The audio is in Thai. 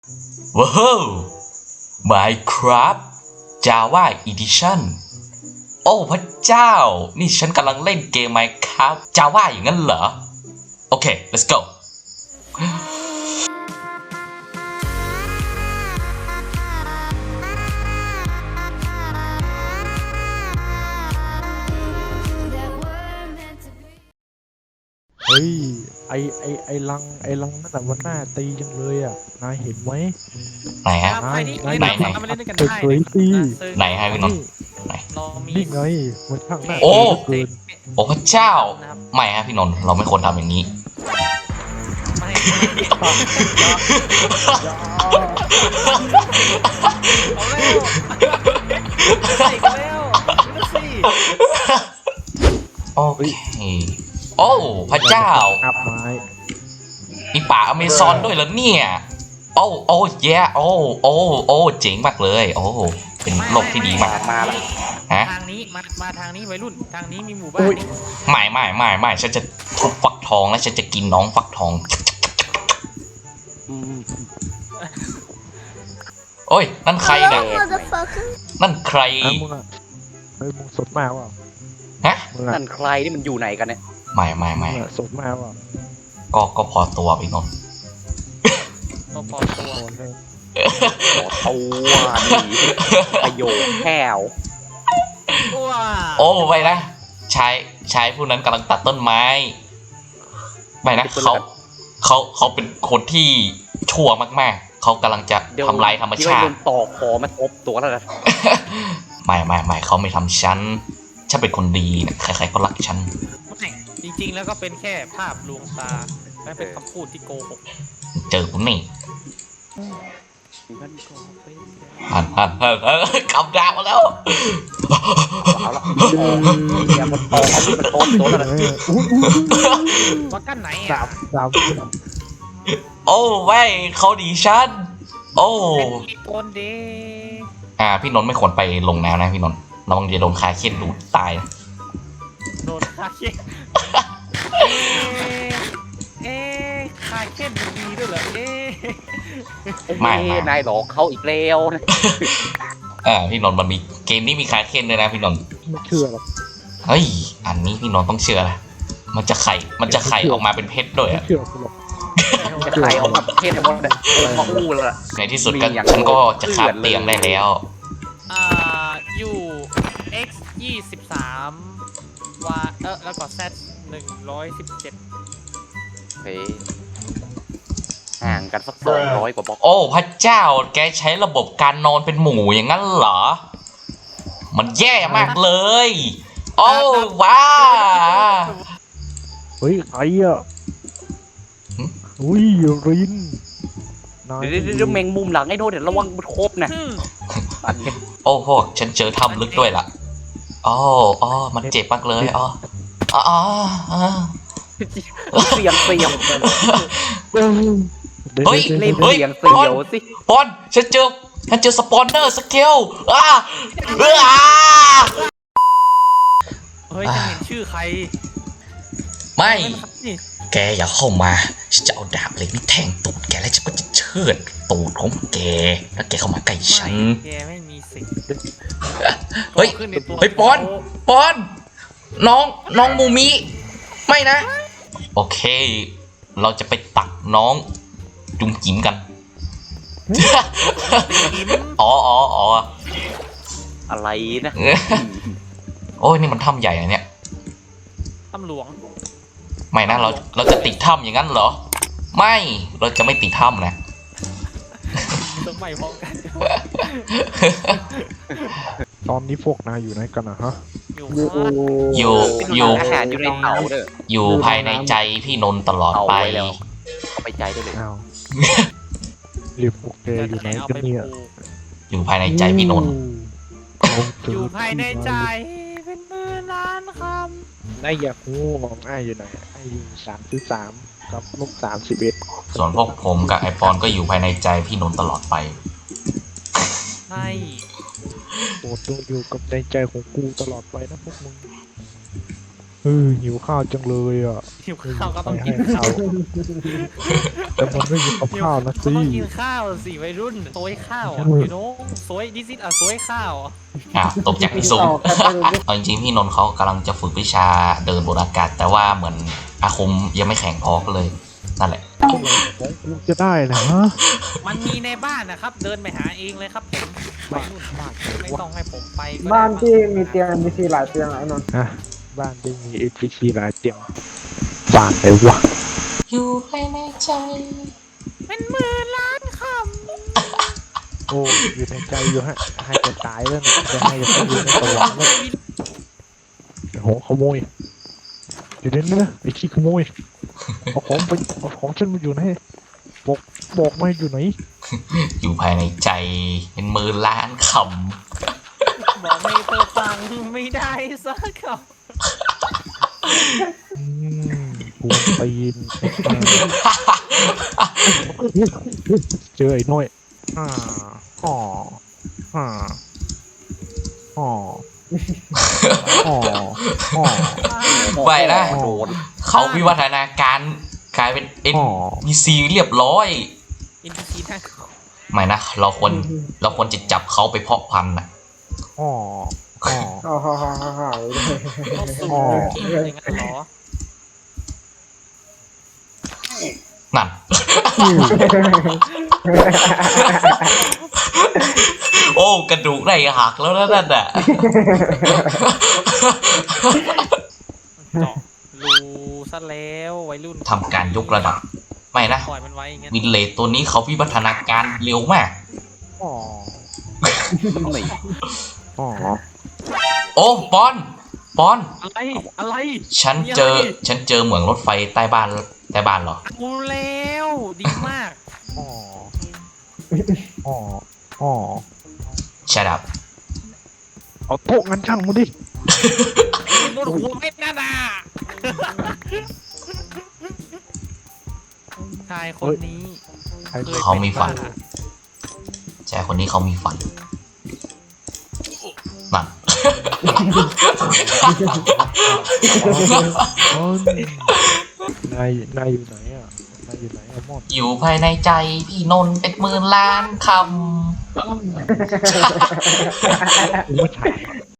ว้าว Minecraft Java Edition โอ้พระเจ้านี่ฉันกำลังเล่นเกม Minecraft Java อย่างนั้นเหรอโอเค let's go เฮ้ยไอลังนั่นแหละมันน่าตีจังเลยอ่ะนายเห็นไหมไหนฮะไหนมาเล่นด้วยกันเปิดได้เผยสิไหนฮะพี่นนท์เรามีนี่ไงมันช่างน่าโอ้ตีเหลือเกินโอ้พระเจ้าไม่ฮะพี่นนท์เราไม่ควรทำอย่างนี้ไม่เอาแล้วใส่กันแล้วดูสิโอเคโอ้พระเจ้าอับไม้มีป่าอเมซอนด้วยเหรอเนี่ยโอ้โอ้แย่โอ้โอ้โอ้เจ๋งมากเลยโอ้เป็นโลกที่ดีมากมาแล้วฮะทางนี้มาทางนี้วัยรุ่นทางนี้มีหมู่บ้านนี่ไม่ฉันจะทุบฟักทองและฉันจะกินน้องฟักทองโอ้ยนั่นใครเนี่ย Motherfucker. นั่นใครมึงอ่ะเฮ้ยมึงสดมากว่ะฮะมึงอ่ะนั่นใครนี่มันอยู่ไหนกันเนี่ยไม่มึงอ่ะสดมากว่ะก็พอตัวพี่นนท์ก็พอตัวโดนเลยขอตัวนี่ประโยคแค่วว้าโอ้ไปนะชายผู้นั้นกำลังตัดต้นไม้ไม่นะเขาเป็นคนที่ชั่วมากๆเขากำลังจะเดี๋ยวทำลายธรรมที่ชาว่าโดตินต่อคอมาทบตัวแล้วนะไม่เขาไม่ทำฉันเป็นคนดีนะใครๆก็รักฉันไม่จริงๆแล้วก็เป็นแค่ภาพลวงตาและเป็นคำพูดที่โกหกเจอกูนี่มันก็เป็นหันกำดาบมาแล้วเอาละอย่ามันต่อมันทบตัวแล้วนะเอออู้ว่ากันไหนสาอ่ะมโอ้ไม่เขาดีฉันโอ้เป็นอีกคนเด้พี่นนท์ไม่ควรไปลงน้ำนะพี่นนท์ระวังจะโดนคาเค็ดดูดตายนะโดนคาเคนเอ๊ะคาเคนดีด้วยเหรอเอ๊ะไม่นายหลอกเขาอีกแล้วนะพี่นนท์มันมีเกมนี้มีคาเค็ดด้วยนะพี่นนท์ไม่เชื่อหรอกเฮ้ยอันนี้พี่นนท์ต้องเชื่อนะมันจะไข่ออกมาเป็นเพชรด้วยไม่อะเชื่อกูหรอกจะใครเอามาเทศทั้งหมดเนี่ยมาอู้แล้วล่ะในที่สุดก็มีอย่างฉันก็จะคาบเตียงได้แล้วอยู่ x 23ว่าแล้วก็ z 117 เฮ้ยห่างกันสัก200 กว่าบล็อกโอ้พระเจ้าแกใช้ระบบการนอนเป็นหมูอย่างนั้นเหรอ มันแย่มากเลย โอ้ว้าเฮ้ยใครอ่ะอุ้ยรินนายเดี๋ยวแมงมุมหลังไอ้โน่นเดี๋ยวระวังมันครบนะอันนี้โอ้พวกฉันเจอถ้ำลึกด้วยล่ะอ๋อมันเจ็บมากเลยอ๋อเสียงเสียวเฮ้ยเล่นเฮ้ยเสียงเสียวสิปอนฉันเจอสปอนเนอร์สเกลเฮ้ยจะเห็นชื่อใครไม่นี่แกอย่าเข้ามาฉันจะเอาดาบเหล็กนี่แทงตูดแกแล้วฉันก็จะเชือดตูดของแกถ้าแกเข้ามาใกล้ฉันแกไม่มีสิทธิ์เฮ้ยขึ้นในตัวเฮ้ยปอนน้องมูมิไม่นะ โอเค เราจะไปตักน้องจุ่มจิ๋มกัน อ๋ออะไรนะโอ้ยนี่มันถ้ำใหญ่อะเนี่ยตำหลวงไม่นะเราจะติดถ้ำอย่างนั้นเหรอ ไม่เราจะไม่ติดถ้ำนะต้องไม่พร้อมกันตอนนี้พวกนายอยู่ไหนกันนะฮะอยู่อยู่อาหารอยู่ในเตาเด้ออยู่ภายในใจพี่นนท์ตลอดเอาไปไว้แล้ว เข้าไปใจได้เลยอ้าวเรียกพวกแกอยู่ไหนกันเนี่ยอยู่ภายในใจพี่นนท์อยู่ภายในใจเป็นหมื่นล้านคนายอยากงูของไอ้อยู่ไหนไอ้อยู่33กับลบ31 ส่วนพวกผมกับไอปอนก็อยู่ภายในใจพี่นนท์ตลอดไปำใช่โปรดจงอยู่กับในใจของกูตลอดไปนะพวกมึงหิวข้าวจังเลยอ่ะหิวข้าวก็ต้องให้กินข้าวแต่มันไม่มีกับข้าวนะก็สิต้องกินข้าวสิวัยรุ่นโซยข้าวโซยดิซิตโซยข้าวตกจากที่สูงต่อกันไปเลยเอาจริงๆพี่นนท์เขากำลังจะฝึกวิชาเดินบนอากาศ แต่ว่าเหมือนอาคมยังไม่แข็งพอก็เลยนั่นแหละลูกจะได้นะฮะมันมีในบ้านนะครับ เดินไปหาเองเลยครับผมวัยรุ่นไม่ต้องให้ผมไปก็ได้บ้านที่มีเตียงมีซีหลายเตียงไอ้นนท์ฮะบ้านที่มี NPC หลายเตียงบ้านไหนวะอยู่ภายในใจเป็นหมื่นล้านคโอ้อยู่ในใจอยู่ฮะให้จะตายแล้วเนี่ยจะให้จะอยู่ในสวรรค์แล้วโหขโมยอยู่ในนี้นะไอ้ขี้ขโมยเอาของฉันมาอยู่ไหนบอกมาอยู่ไหนอยู่ภายในใจเป็นหมื่นล้านคำบอกไม่เธอฟังไม่ได้สักคกูตีนเจอไอ้น้อยอ๋ออ๋ออ๋ออ๋ออ๋อำไปนะโดนเขาวิวัฒนาการกลายเป็น NPC เรียบร้อยอินทิชีนะไม่นะเราควรจะจับเขาไปเพาะพันธุ์นะอ๋ออ๋ออ๋อฮ่าฮ่าฮ่าฮ่าเขาสูงกินอย่างนั้นเหรอนั่น โอ้กระดูกได้หักแล้วนะนั่นน่ะเจาะรูซะแล้ววัยรุ่นทำการยกระดับ ไม่นะปล่อยมันไว้อย่างงั้นวินเลตตัวนี้เขาวิวัฒนาการเร็วมากอ๋ออ๋อโอ้ปอนอะไรฉันเจอเหมืองรถไฟใต้บ้านเหรอกูแล้วดีมากอ๋ออ๋ออ๋อ Shut up เอาโต๊ะงั้นช่างมาดิบนหัวเม็ดนั่นน่ะชายคนนี้เขามีฝัน ชายคนนี้เขามีฝันนั่นนายอยู่ไหนอ่ะนายอยู่ไหนอะมอนอยู่ภายในใจพี่นนท์เป็นหมื่นล้านคกูไม่ถ่าย